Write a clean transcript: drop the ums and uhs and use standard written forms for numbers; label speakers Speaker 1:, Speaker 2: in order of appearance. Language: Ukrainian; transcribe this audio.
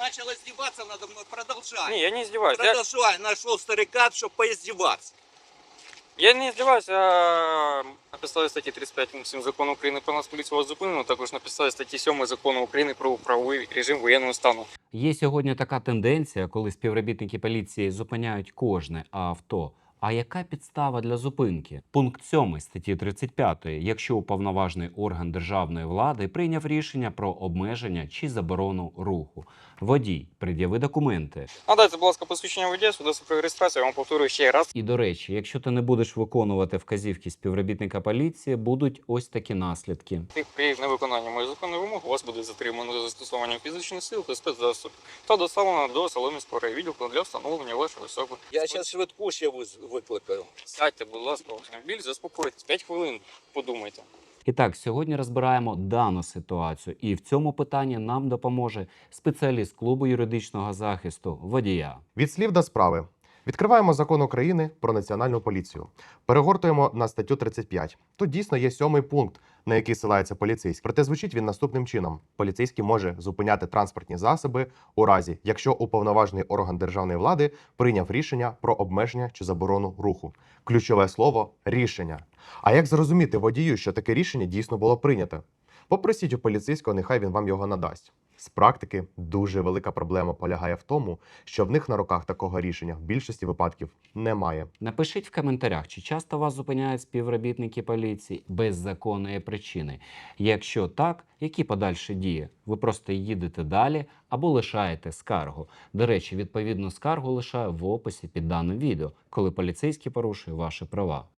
Speaker 1: начал издеваться надо мной, продолжай.
Speaker 2: Не, я не издеваюсь.
Speaker 1: Продолжай, нашел старика, чтобы поиздеваться.
Speaker 2: Я не издеваюсь, а на підставі статті 35 пункт 7 Закону України про Нацполіцію вас зупинено, також на підставі статті 7 Закону України про правовий режим воєнного стану.
Speaker 3: Є сьогодні така тенденція, коли співробітники поліції зупиняють кожне авто. А яка підстава для зупинки? Пункт 7 статті 35. Якщо уповноважений орган державної влади прийняв рішення про обмеження чи заборону руху. Водій, пред'яви документи.
Speaker 2: Надайте, будь ласка, посвідчення водія, свідоцтво про реєстрацію, я вам повторюю ще раз.
Speaker 3: І, до речі, якщо ти не будеш виконувати вказівки співробітника поліції, будуть ось такі наслідки.
Speaker 2: При невиконанні моїх законних вимог вас буде затримано за застосуванням фізичних сил та спецзасобів та доставлено до Солом'янського райвідділку для встановлення вашої особи.
Speaker 1: Я сейчас швидку ще викликаю.
Speaker 2: Сядьте, будь ласка, в автомобіль, заспокойтесь. 5 хвилин подумайте.
Speaker 3: І так, сьогодні розбираємо дану ситуацію. І в цьому питанні нам допоможе спеціаліст клубу юридичного захисту водія.
Speaker 4: Від слів до справи. Відкриваємо Закон України про національну поліцію. Перегортуємо на статтю 35. Тут дійсно є 7-й пункт, на який силається поліцейський. Проте звучить він наступним чином. Поліцейський може зупиняти транспортні засоби у разі, якщо уповноважений орган державної влади прийняв рішення про обмеження чи заборону руху. Ключове слово – рішення. А як зрозуміти водію, що таке рішення дійсно було прийнято? Попросіть у поліцейського, нехай він вам його надасть. З практики дуже велика проблема полягає в тому, що в них на руках такого рішення в більшості випадків немає.
Speaker 3: Напишіть в коментарях, чи часто вас зупиняють співробітники поліції без законної причини. Якщо так, які подальші дії? Ви просто їдете далі або лишаєте скаргу. До речі, відповідну скаргу лишаю в описі під даним відео, коли поліцейський порушує ваші права.